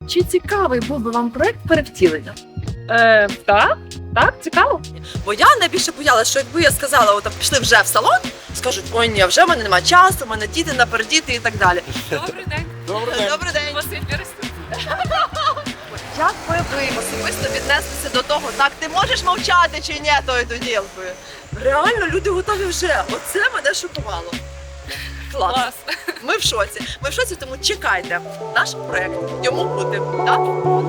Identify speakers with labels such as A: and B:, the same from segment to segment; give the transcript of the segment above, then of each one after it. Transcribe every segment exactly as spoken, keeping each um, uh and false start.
A: Чи цікавий був би вам проект перевтілення?
B: Е, так, так, цікаво.
C: Бо я найбільше боялася, що якби я сказала, от пішли вже в салон, скажуть, ой, ні, вже в мене немає часу, в мене діти, напердіти і так далі.
B: Добрий день.
D: Добрий день.
C: Добрий день.
B: Василь Берестин.
C: Як би ви особисто віднеслися до того, так, ти можеш мовчати чи ні, то й до діл би. Реально, люди готові вже. Оце мене шокувало. Клас.
B: Клас.
C: Ми в шоці. Ми в шоці, тому чекайте. Наш проект йому буде. Так?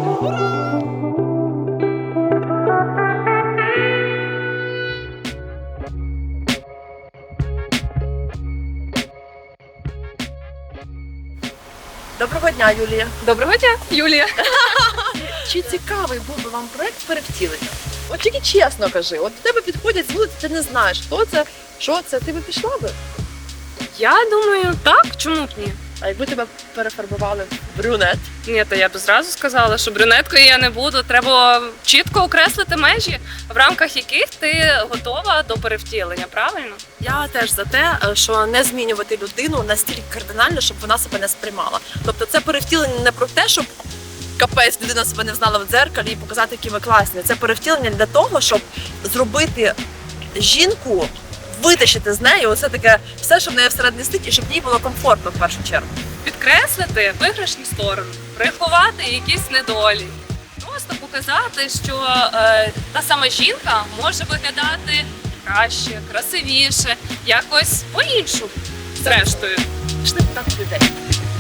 C: Доброго дня, Юлія.
B: Доброго дня, Юлія.
A: Чи цікавий був би вам проект перевтілення?
C: От тільки чесно кажи, от до тебе підходять з вулиці, ти не знаєш, хто це, що це, ти би пішла би?
B: Я думаю, так, чому б ні?
C: А якби тебе перефарбували в брюнет?
B: Ні, то я б зразу сказала, що брюнеткою я не буду. Треба чітко окреслити межі, в рамках яких ти готова до перевтілення, правильно?
C: Я теж за те, що не змінювати людину настільки кардинально, щоб вона себе не сприймала. Тобто це перевтілення не про те, щоб капець людина себе не знала в дзеркалі і показати, які ви класні. Це перевтілення для того, щоб зробити жінку, витащити з неї оце таке все, що в неї всередині сидить, і щоб їй було комфортно в першу чергу.
B: Підкреслити виграшні сторони, приховати якісь недолі. Просто показати, що е, та сама жінка може виглядати краще, красивіше, якось по-іншому, зрештою.
C: Пішли питати людей.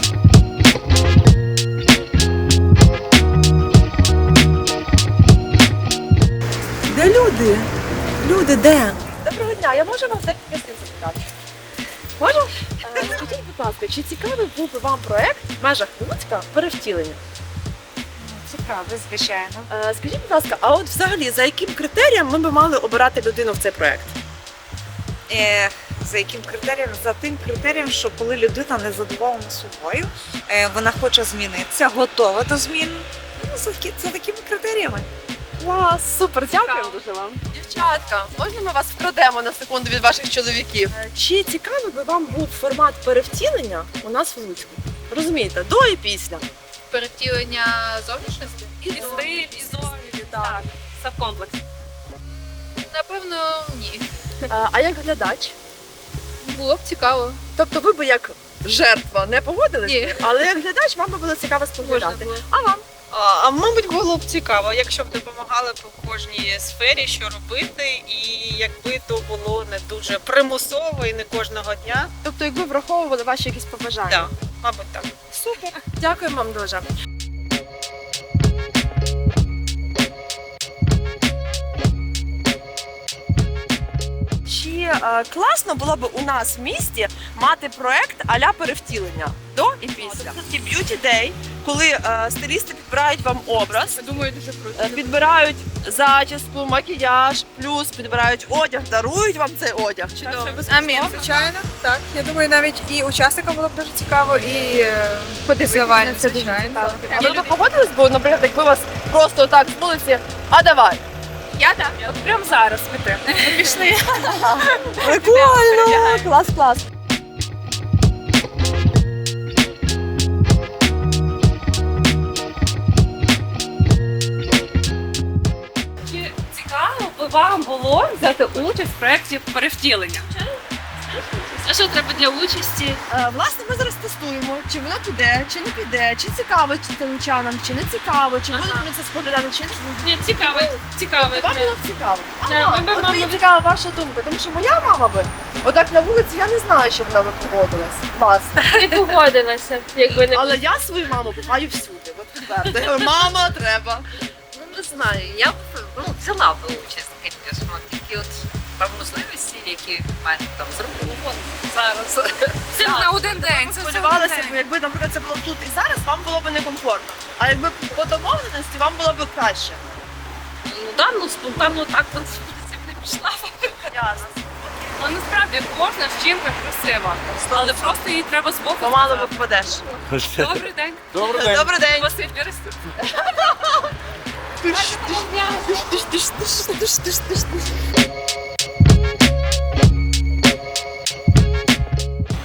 C: Де люди? Люди, де? Доброго дня, я можу вас декілька слів запитати? Можу?
A: Е, Скажіть, будь ласка, чи цікавий був би вам проект в межах Луцька перевтілення?
E: Цікаве, звичайно.
C: Е, Скажіть, будь ласка, а от взагалі за яким критерієм ми б мали обирати людину в цей проект?
E: Е, за яким критерієм? За тим критерієм, що коли людина не задоволена собою, е, вона хоче змінитися, готова до змін. Ну, за, такі- за такими критеріями.
C: Клас, супер, дякую.
B: Цікаво дуже вам.
C: Дівчатка, можна ми вас вкрадемо на секунду від ваших чоловіків?
A: Е, Чи цікавий би вам був формат перевтілення у нас в Луцьку?
C: Розумієте, до і після.
F: Перевтілення зовнішності?
B: І стиль, і зовні, так. Все в комплексі.
F: Напевно, ні.
A: Е, А як глядач?
F: Було б цікаво.
C: Тобто ви б як жертва не погодились,
F: Ні.
C: але як глядач вам би було цікаво
F: Можна
C: споглядати.
F: було.
C: А вам?
G: А, а мабуть, було б цікаво, якщо б допомагали б у кожній сфері, що робити, і якби то було не дуже примусово і не кожного дня.
A: Тобто, якби враховували ваші якісь побажання?
G: Так, мабуть, так.
C: Супер. Дякую вам дуже. Чи е, класно було б у нас в місті мати проект а-ля перевтілення до і після? Це б'юті дей, коли е, стилісти підбирають вам образ,
F: Я думаю, дуже круто.
C: е, підбирають зачіску, макіяж, плюс підбирають одяг, дарують вам цей одяг. Чудово.
F: Амін.
H: Звичайно, так. Я думаю, навіть і учасникам було б дуже цікаво, і подивитися, звичайно.
C: А ви б погодились, бо, наприклад, якби вас просто так з вулиці, а давай.
B: Я так, от прямо зараз піти. Пішли.
C: Прикольно! Клас, клас.
B: Чи цікаво би вам було взяти участь в проєкті перевтілення? А що треба для участі?
C: Е, Власне, ми зараз тестуємо, чи воно піде, чи не піде, чи цікаво чи телечанам, чи не цікаво, чи будуть вони це споглядати, чи не.
B: Ні, цікаво, цікаво.
C: Вам було б цікаво.
B: Да,
C: Ага,
B: ми б,
C: от
B: мабуть,
C: мені цікава ваша думка, тому що моя мама би, отак на вулиці, я не знаю, що вона би погодилась. Вас.
B: Не погодилася, якби не
C: Але я свою маму маю всюди. От тепер. Я говорю, мама, треба.
I: Ну, не знаю, я б ну, взяла б участь, звісно, такі от можливості, які в мене там зробили зараз.
B: Це на один день. Це
C: Сподівалася б, якби, наприклад, це було тут і зараз, вам було б некомфортно. А якби по домовленості, вам було б краще.
I: Ну да, ну спонтанно так от не пішла.
C: Ясно.
B: Ну насправді кожна жінка красива, але просто їй треба збоку.
C: Помало
B: сказати.
C: випадеш.
B: Добрий день.
D: Добрий день.
C: Добрий день.
B: Василь Берестин.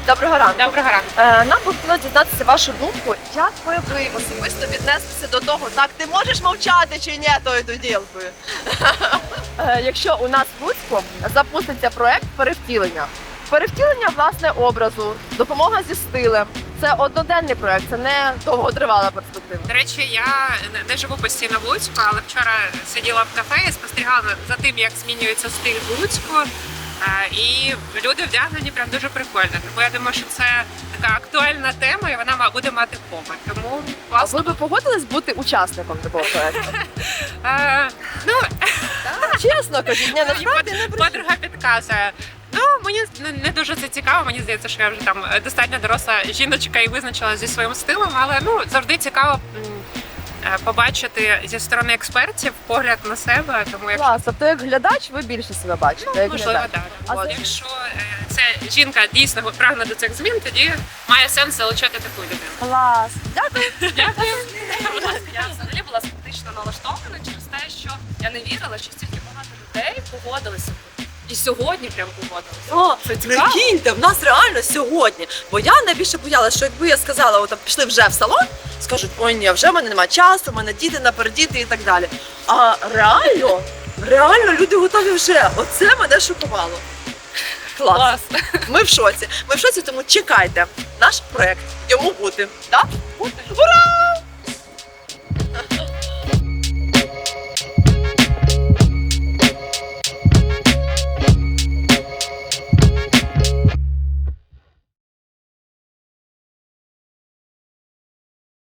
C: Доброго ранку.
B: Доброго ранку.
C: Е, Нам би хотілося дізнатися вашу думку, як ви ви особисто віднеслися до того, так ти можеш мовчати чи ні, тою ділкою. Якщо у нас в Луцьку запуститься проект перевтілення. Перевтілення власне образу, допомога зі стилем. Це одноденний проект, це не довготривала перспектива.
D: До речі, я не- не живу постійно в Луцьку, але вчора сиділа в кафе і спостерігала за тим, як змінюється стиль в Луцьку. Е, І люди вдягнені прям дуже прикольно. Тому я думаю, що це така актуальна тема, і вона ма- буде мати попит. Тому
C: А
D: класно.
C: ви би погодились бути учасником такого проекту?
D: Е, Ну,
C: Чесно кажіть, ні, насправді не брешіть.
D: подруга підказує. Ну, мені не- не дуже це цікаво. Мені здається, що я вже там е, достатньо доросла жіночка і визначилася зі своїм стилем, але ну завжди цікаво м, е, побачити зі сторони експертів погляд на себе. Тому як
C: Клас, тобто як глядач ви більше себе бачите,
D: ну,
C: як
D: можливо,
C: глядач.
D: так.
C: А
D: От,
C: за-
D: якщо е, ця жінка дійсно прагне до цих змін, тоді має сенс залучати таку людину.
C: Клас. Дякую.
D: Дякую.
B: Я взагалі була скептично налаштована через те, що я не вірила, що стільки багато людей погодилися. І сьогодні прям погодилися.
C: О,
B: Це цікаво.
C: прикиньте, в нас реально сьогодні. Бо я найбільше боялася, що якби я сказала, от пішли вже в салон, скажуть, ой ні, вже в мене немає часу, в мене діти напередіти і так далі. А реально, реально люди готові вже. Оце мене шокувало. Клас.
B: Клас.
C: Ми в шоці. Ми в шоці, тому чекайте. Наш проект йому бути. Так? Ура!